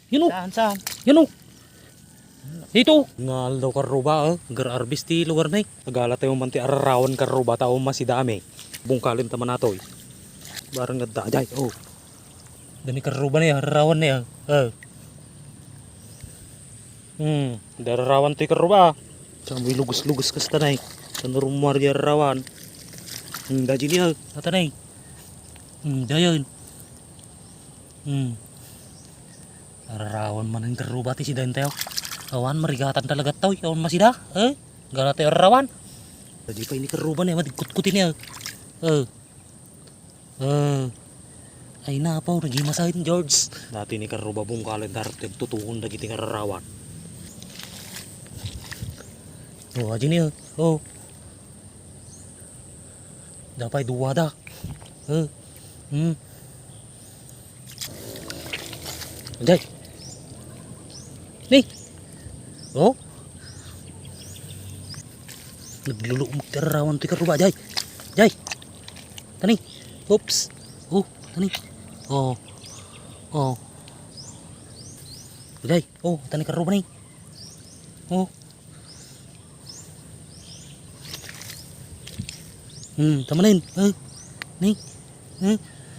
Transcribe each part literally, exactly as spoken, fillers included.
Yun o. Saan, saan? Yun o. Dito. Ngal daw karuba. Eh. Gar-arbis ti lugar na eh. Nagala tayo manti ararawan karuba. Tao masidami. Bungkalin taman nato eh. Barang nagdajay. Oh. Dami karuba na eh. Ararawan na eh. Eh. Hmm. Dararawan to yung karuba. Samoy lugus-lugus kas tanay. Tanurumar di ararawan. Hmm. Daji niya. Tatanay. Hmm. Dayan. Hmm. Ararawan man ang karuba ti si dayan tayo. Awan marigatan talaga tao. Awan masida. Eh. Gala tayo ararawan. Jadi pa ini karuba na eh. Madigkut-kutin niya. Eh. Eh. Ay na pa. Nagimasahin George. Dati ni karuba bungkalin darap tutuhon na giting ararawan. Oh, aja nih. Oh. Dapat dua dah. Eh. Hmm. Anjay. Nih. Oh. Nagluluk magtarawan ti karuba, Jay. Jay. Tani. Oops. Oh, tani. Oh. Oh. Jay. Oh, tani karuba nih. Oh. Hmm, tamanin. Eh. Nih. Eh.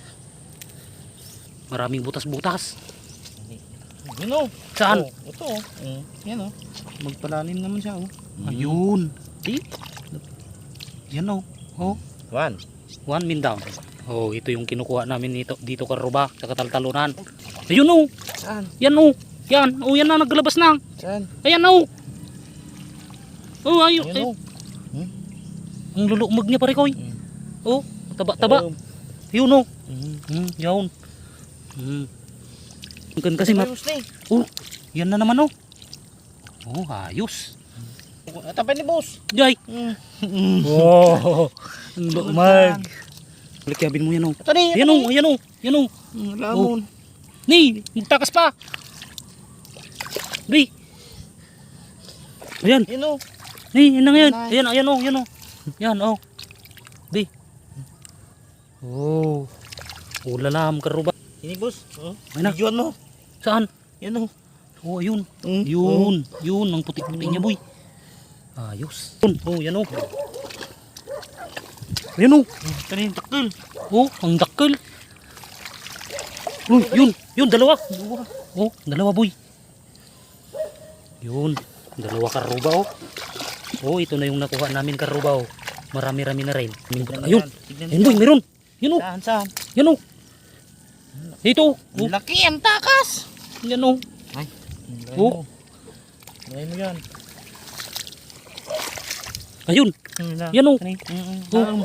Maraming butas-butas. Yun o. Saan? Oh, ito o. Mm. Yan o. Magpalalim naman siya o. Ayun. Di. Yan o. Oh. One. One min down. Oh, ito yung kinukuha namin dito, dito karuba sa kataltalunan. Ayun o. Saan? Yan o. Yan. Oh, yan na naglalabas na. Saan? Ayan o. Oh, ayun. Yan o. Eh. Ang lulumag niya pare koy. Mm. Oh, taba-taba. Um, Yun o. mm. Hmm, yun. Hmm. Kan kasi mat. Ayos na eh. Oh, yan na naman oh. Oh, ayos. Tapay ni boss. Jay. Mm. Wow. Ang lumag. Likabin mo yan oh. Ito ni. Yan oh, yan oh. Yan oh. Mm, lamon. Ni, magtakas pa. Di. Ayan. Yan o. Ni, yan na ngayon. Yan, Ayan, ayan oh, yan oh. Yan oh. Di. Oh. Ulalam karuba. Ini boss. Oh. Ay na. Videoan mo. Saan? Yan o. Oh, ayun. Mm. Yun. Yun, ang putik-putik niya boy. Ayos. Yun. Oh, yan oh. Ayan oh. Ito na yung takil. Oh, ang dakkel. Oh, yun. Yun, dalawa. Oh, dalawa boy. Yun. Dalawa karuba oh. Oh, ito na yung nakuha namin karuba oh. Marami-rami na rin. Ayun. Ayun boy, meron. Yun oh. Saan, saan? Yan oh. Dito. Oh. Ang laki, ang takas. Yan oh. Ay. Oh. Lagay mo yan. Ayun. Yan oh. Oh.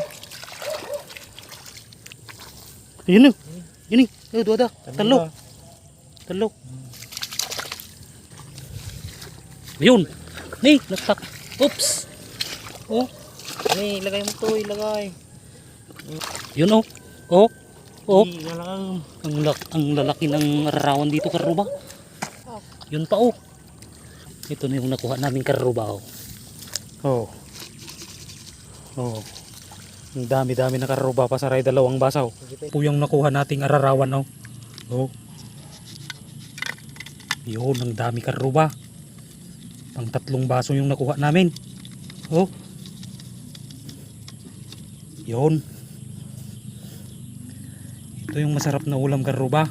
Ayun oh. Yun eh. Eh, dua dah. Talo. Talo. Ayun. Nih, naksak. Oops. Oh. Ni, ilagay mo to, ilagay. Yun oh. Oh. Oh. Ilagay. Ang, lak ang lalaki ng arawan dito karuba. Yun pa oh. Ito na yung nakuha namin karuba oh. Oh. Oh. Ang dami-dami na karuba pa sa ray dalawang basaw. Po yung nakuha nating ararawan oh. Oh. Yun, ang dami karuba. Pang tatlong baso yung nakuha namin. Oh. Yun. Ito yung masarap na ulam karuba.